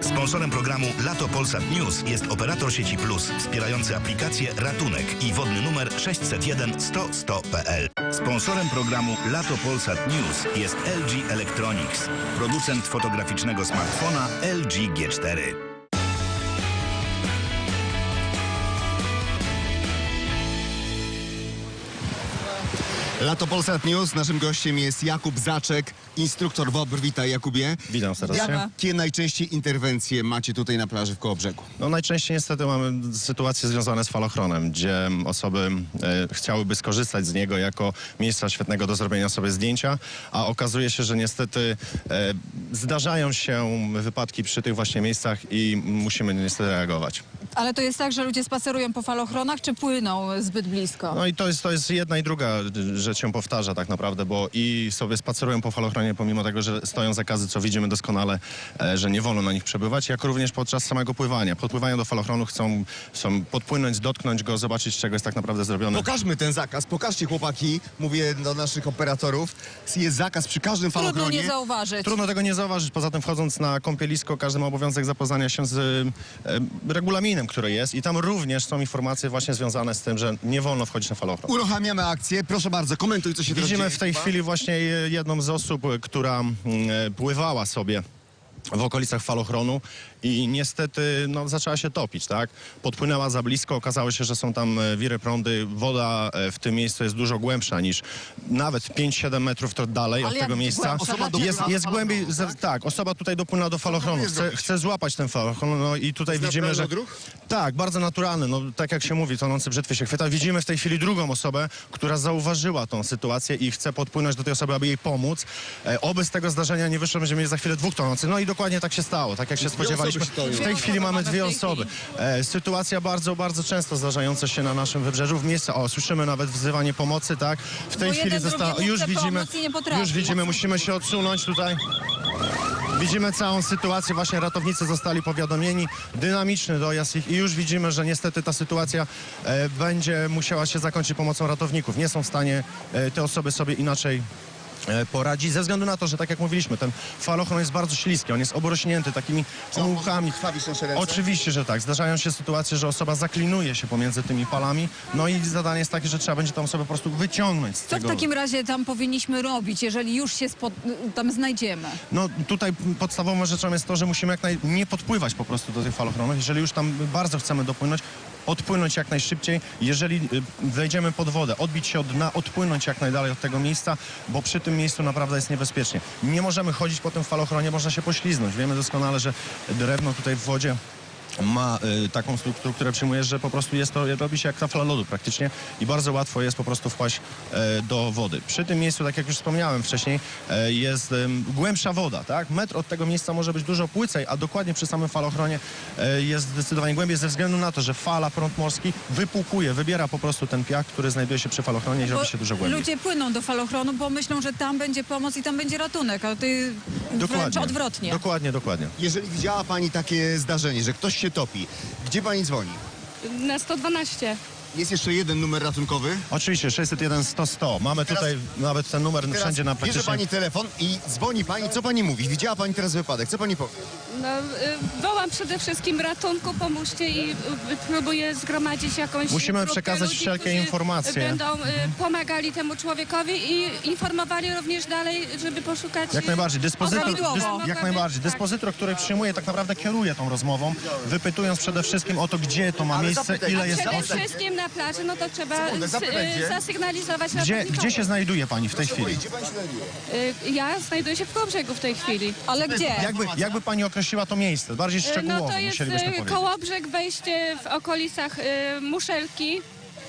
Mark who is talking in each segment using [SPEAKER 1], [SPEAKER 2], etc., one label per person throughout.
[SPEAKER 1] Sponsorem programu Lato Polsat News jest operator sieci Plus, wspierający aplikację Ratunek i wodny numer 601 100 100.pl. Sponsorem programu Lato Polsat News jest LG Electronics, producent fotograficznego smartfona LG G4.
[SPEAKER 2] Lato Polsat News. Naszym gościem jest Jakub Zaczek, instruktor WOPR. Witaj, Jakubie.
[SPEAKER 3] Witam serdecznie.
[SPEAKER 2] Jakie najczęściej interwencje macie tutaj na plaży w Kołobrzegu?
[SPEAKER 3] No najczęściej niestety mamy sytuacje związane z falochronem, gdzie osoby chciałyby skorzystać z niego jako miejsca świetnego do zrobienia sobie zdjęcia, a okazuje się, że niestety zdarzają się wypadki przy tych właśnie miejscach i musimy niestety reagować.
[SPEAKER 4] Ale to jest tak, że ludzie spacerują po falochronach, czy płyną zbyt blisko?
[SPEAKER 3] No i to jest jedna i druga rzecz się powtarza tak naprawdę, bo i sobie spacerują po falochronie, pomimo tego, że stoją zakazy, co widzimy doskonale, że nie wolno na nich przebywać, jak również podczas samego pływania. Podpływają do falochronu, chcą podpłynąć, dotknąć go, zobaczyć, z czego jest tak naprawdę zrobiony.
[SPEAKER 2] Pokażmy ten zakaz, pokażcie, chłopaki, mówię do naszych operatorów. Jest zakaz przy każdym falochronie.
[SPEAKER 4] Trudno nie zauważyć.
[SPEAKER 3] Trudno tego nie zauważyć, poza tym wchodząc na kąpielisko, każdy ma obowiązek zapoznania się z regulaminem, który jest, i tam również są informacje właśnie związane z tym, że nie wolno wchodzić na falochron.
[SPEAKER 2] Uruchamiamy akcję. Proszę bardzo, komentuj, co się teraz
[SPEAKER 3] Widzimy
[SPEAKER 2] dzieje.
[SPEAKER 3] w tej chwili właśnie jedną z osób, która pływała sobie w okolicach falochronu i niestety zaczęła się topić, tak? Podpłynęła za blisko, okazało się, że są tam wiry prądy. Woda w tym miejscu jest dużo głębsza niż nawet 5-7 metrów dalej od tego miejsca. Jest głębiej, tak, osoba tutaj dopłynęła do falochronu, chce złapać ten falochron, no i tutaj widzimy, że... Tak, bardzo naturalny, no tak jak się mówi, tonący brzytwy się chwyta. Widzimy w tej chwili drugą osobę, która zauważyła tą sytuację i chce podpłynąć do tej osoby, aby jej pomóc. Oby z tego zdarzenia nie wyszło, będziemy mieli za chwilę dwóch tonących. No i dokładnie tak się stało, tak jak się spodziewaliśmy. W tej chwili mamy dwie osoby. Sytuacja bardzo, bardzo często zdarzająca się na naszym wybrzeżu. W miejscu, słyszymy nawet wzywanie pomocy, tak? W tej chwili zostało, już widzimy, musimy się odsunąć tutaj. Widzimy całą sytuację, właśnie ratownicy zostali powiadomieni, dynamiczny dojazd ich i już widzimy, że niestety ta sytuacja będzie musiała się zakończyć pomocą ratowników. Nie są w stanie te osoby sobie inaczej poradzić, ze względu na to, że tak jak mówiliśmy, ten falochron jest bardzo śliski, on jest obrośnięty takimi mułkami. Oczywiście, że tak. Zdarzają się sytuacje, że osoba zaklinuje się pomiędzy tymi falami, no i zadanie jest takie, że trzeba będzie tą osobę po prostu wyciągnąć z tego.
[SPEAKER 4] Co w takim razie tam powinniśmy robić, jeżeli już się tam znajdziemy?
[SPEAKER 3] No tutaj podstawową rzeczą jest to, że musimy nie podpływać po prostu do tych falochronów. Jeżeli już tam bardzo chcemy dopłynąć, odpłynąć jak najszybciej. Jeżeli wejdziemy pod wodę, odbić się od dna, odpłynąć jak najdalej od tego miejsca, bo przy tym miejscu naprawdę jest niebezpiecznie. Nie możemy chodzić po tym falochronie, można się pośliznąć. Wiemy doskonale, że drewno tutaj w wodzie ma taką strukturę, która przyjmuje, że po prostu robi się jak tafla lodu praktycznie i bardzo łatwo jest po prostu wpaść do wody. Przy tym miejscu, tak jak już wspomniałem wcześniej, jest głębsza woda, tak? Metr od tego miejsca może być dużo płycej, a dokładnie przy samym falochronie jest zdecydowanie głębiej ze względu na to, że fala, prąd morski wypłukuje, wybiera po prostu ten piach, który znajduje się przy falochronie i robi się dużo głębiej.
[SPEAKER 4] Ludzie płyną do falochronu, bo myślą, że tam będzie pomoc i tam będzie ratunek, a ty wręcz odwrotnie.
[SPEAKER 3] Dokładnie.
[SPEAKER 2] Jeżeli widziała pani takie zdarzenie, że ktoś się topi, gdzie pani dzwoni?
[SPEAKER 5] Na 112.
[SPEAKER 2] Jest jeszcze jeden numer ratunkowy.
[SPEAKER 3] Oczywiście, 601 100 100. Mamy tutaj nawet ten numer wszędzie na praktycznie...
[SPEAKER 2] Bierze pani telefon i dzwoni pani. Co pani mówi? Widziała pani teraz wypadek. Co pani powie?
[SPEAKER 5] No, wołam przede wszystkim ratunku, pomóżcie i próbuję zgromadzić jakąś
[SPEAKER 3] Musimy
[SPEAKER 5] grupkę
[SPEAKER 3] przekazać
[SPEAKER 5] ludzi,
[SPEAKER 3] wszelkie
[SPEAKER 5] którzy
[SPEAKER 3] informacje.
[SPEAKER 5] Będą pomagali temu człowiekowi i informowali również dalej, żeby poszukać...
[SPEAKER 3] Jak najbardziej. Jak najbardziej.
[SPEAKER 5] Tak.
[SPEAKER 3] Dyspozytor, który przyjmuje, tak naprawdę kieruje tą rozmową, wypytując przede wszystkim o to, gdzie to ma miejsce, ile jest
[SPEAKER 5] Przede
[SPEAKER 3] osób.
[SPEAKER 5] wszystkim na plaży, no to trzeba zasygnalizować...
[SPEAKER 3] Gdzie się znajduje pani w tej chwili?
[SPEAKER 5] Ja znajduję się w Kołobrzegu w tej chwili.
[SPEAKER 4] Ale gdzie?
[SPEAKER 3] Jakby pani określiła to miejsce? Bardziej szczegółowo
[SPEAKER 5] No to jest
[SPEAKER 3] musielibyśmy powiedzieć.
[SPEAKER 5] Kołobrzeg, wejście w okolicach Muszelki.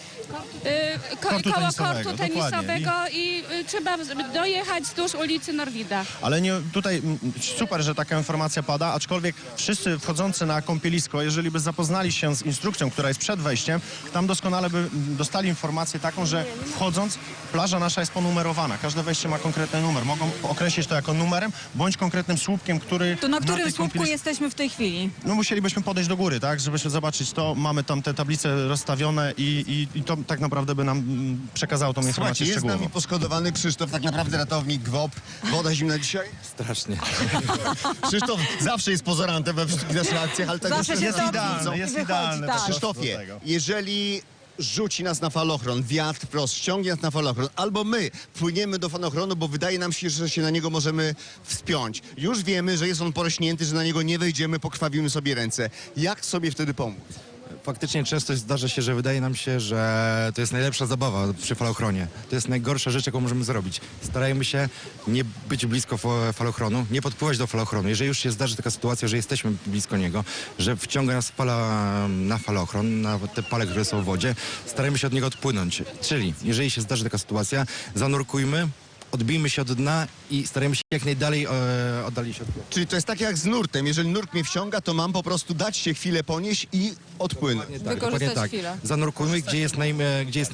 [SPEAKER 5] Koło kortu tenisowego i trzeba dojechać wzdłuż ulicy Norwida.
[SPEAKER 3] Ale nie, tutaj super, że taka informacja pada, aczkolwiek wszyscy wchodzący na kąpielisko, jeżeli by zapoznali się z instrukcją, która jest przed wejściem, tam doskonale by dostali informację taką, że wchodząc, plaża nasza jest ponumerowana. Każde wejście ma konkretny numer. Mogą określić to jako numerem, bądź konkretnym słupkiem, który...
[SPEAKER 4] To na którym słupku jesteśmy w tej chwili?
[SPEAKER 3] No musielibyśmy podejść do góry, tak, żeby się zobaczyć to. Mamy tam te tablice rozstawione i to tak naprawdę by nam przekazało tą
[SPEAKER 2] Słuchajcie,
[SPEAKER 3] informację
[SPEAKER 2] jest z
[SPEAKER 3] szczegółową.
[SPEAKER 2] nami poszkodowany Krzysztof, tak naprawdę ratownik GWOP. Woda zimna dzisiaj?
[SPEAKER 6] Strasznie.
[SPEAKER 2] Krzysztof zawsze jest pozorantem we wszystkich naszych akcjach, ale tak
[SPEAKER 4] Zawsze się
[SPEAKER 2] jest
[SPEAKER 4] topi
[SPEAKER 2] idealny.
[SPEAKER 4] i
[SPEAKER 3] jest
[SPEAKER 4] wychodzi,
[SPEAKER 3] idealny.
[SPEAKER 4] tak.
[SPEAKER 2] Krzysztofie,
[SPEAKER 3] do tego.
[SPEAKER 2] jeżeli rzuci nas na falochron, wiatr wprost, ściągnie nas na falochron, albo my płyniemy do falochronu, bo wydaje nam się, że się na niego możemy wspiąć. Już wiemy, że jest on porośnięty, że na niego nie wejdziemy, pokrwawimy sobie ręce. Jak sobie wtedy pomóc?
[SPEAKER 6] Faktycznie często zdarza się, że wydaje nam się, że to jest najlepsza zabawa przy falochronie. To jest najgorsza rzecz, jaką możemy zrobić. Starajmy się nie być blisko falochronu, nie podpływać do falochronu. Jeżeli już się zdarzy taka sytuacja, że jesteśmy blisko niego, że wciąga nas fala na falochron, na te pale, które są w wodzie, starajmy się od niego odpłynąć. Czyli jeżeli się zdarzy taka sytuacja, zanurkujmy, odbijmy się od dna i starajmy się jak najdalej oddalić od pływu.
[SPEAKER 2] Czyli to jest tak jak z nurtem. Jeżeli nurt mnie wciąga, to mam po prostu dać się chwilę ponieść i odpłynąć.
[SPEAKER 4] Wykorzystać chwilę.
[SPEAKER 6] Zanurkujmy, gdzie jest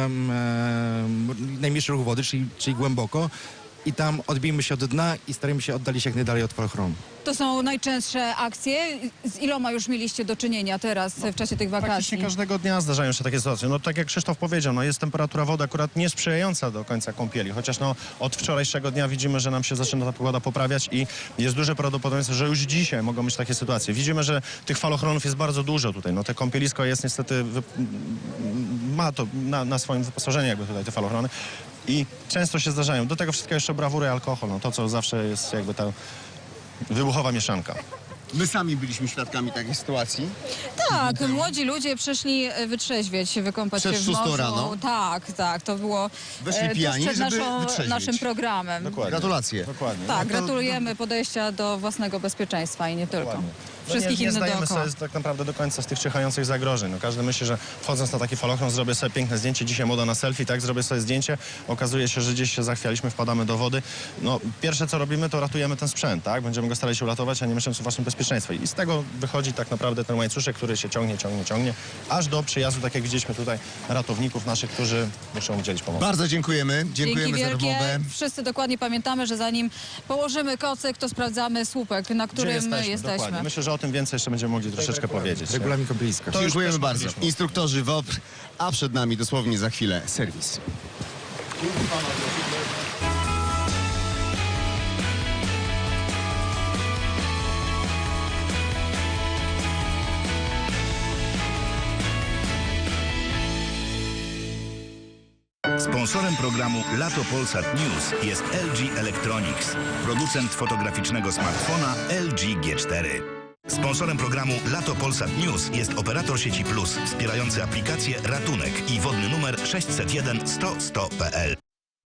[SPEAKER 6] najmniejszy ruch wody, czyli głęboko i tam odbijmy się od dna i starajmy się oddalić jak najdalej od falochronu.
[SPEAKER 4] To są najczęstsze akcje. Z iloma już mieliście do czynienia teraz w czasie tych
[SPEAKER 3] Praktycznie
[SPEAKER 4] wakacji?
[SPEAKER 3] każdego dnia zdarzają się takie sytuacje. No tak jak Krzysztof powiedział, no jest temperatura wody akurat niesprzyjająca do końca kąpieli, chociaż no od wczorajszego dnia widzimy, że nam się zaczyna ta pogoda poprawiać i jest duże prawdopodobieństwo, że już dzisiaj mogą być takie sytuacje. Widzimy, że tych falochronów jest bardzo dużo tutaj. No te kąpielisko jest niestety, ma to na swoim wyposażeniu jakby tutaj te falochrony i często się zdarzają. Do tego wszystkiego jeszcze brawury i alkohol, no to co zawsze jest jakby ta wybuchowa mieszanka.
[SPEAKER 2] My sami byliśmy świadkami takiej sytuacji.
[SPEAKER 4] Tak, młodzi ludzie przyszli wytrzeźwieć, wykąpać
[SPEAKER 2] Przed
[SPEAKER 4] się w
[SPEAKER 2] 6
[SPEAKER 4] morzu.
[SPEAKER 2] rano?
[SPEAKER 4] Tak, to było
[SPEAKER 2] Weszli
[SPEAKER 4] tuż
[SPEAKER 2] pijani,
[SPEAKER 4] przed
[SPEAKER 2] żeby wytrzeźwieć.
[SPEAKER 4] naszym programem.
[SPEAKER 3] Dokładnie.
[SPEAKER 2] Gratulacje.
[SPEAKER 3] Dokładnie.
[SPEAKER 4] Tak,
[SPEAKER 3] No to-
[SPEAKER 4] gratulujemy podejścia do własnego bezpieczeństwa i nie tylko.
[SPEAKER 3] Dokładnie.
[SPEAKER 4] Wszystkich
[SPEAKER 3] nie
[SPEAKER 4] innych
[SPEAKER 3] zdajemy
[SPEAKER 4] dookoła.
[SPEAKER 3] sobie tak naprawdę do końca z tych czyhających zagrożeń. No, każdy myśli, że wchodząc na taki falochron zrobię sobie piękne zdjęcie. Dzisiaj moda na selfie, tak? Zrobię sobie zdjęcie. Okazuje się, że gdzieś się zachwialiśmy, wpadamy do wody. No, pierwsze co robimy, to ratujemy ten sprzęt, tak? Będziemy go starali się uratować, a nie myśląc o waszym bezpieczeństwie. I z tego wychodzi tak naprawdę ten łańcuszek, który się ciągnie, aż do przyjazdu, tak jak widzieliśmy tutaj, ratowników naszych, którzy muszą udzielić pomocy.
[SPEAKER 2] Bardzo dziękujemy.
[SPEAKER 4] Dzięki
[SPEAKER 2] Dziękujemy za
[SPEAKER 4] wielkie.
[SPEAKER 2] rozmowę.
[SPEAKER 4] Wszyscy dokładnie pamiętamy, że zanim położymy kocyk, to sprawdzamy słupek, na
[SPEAKER 3] Gdzie
[SPEAKER 4] którym
[SPEAKER 3] jesteśmy?
[SPEAKER 4] jesteśmy.
[SPEAKER 3] Dokładnie. Myślę, że o tym więcej jeszcze będziemy mogli troszeczkę powiedzieć.
[SPEAKER 6] Regulamin kąpieliska.
[SPEAKER 3] To już
[SPEAKER 2] Dziękujemy
[SPEAKER 3] też
[SPEAKER 2] bardzo.
[SPEAKER 3] mówiliśmy.
[SPEAKER 2] Instruktorzy WOPR, a przed nami dosłownie za chwilę serwis.
[SPEAKER 1] Sponsorem programu Lato Polsat News jest LG Electronics, producent fotograficznego smartfona LG G4. Sponsorem programu Lato Polsat News jest operator sieci Plus, wspierający aplikację Ratunek i wodny numer 601 100 100.pl.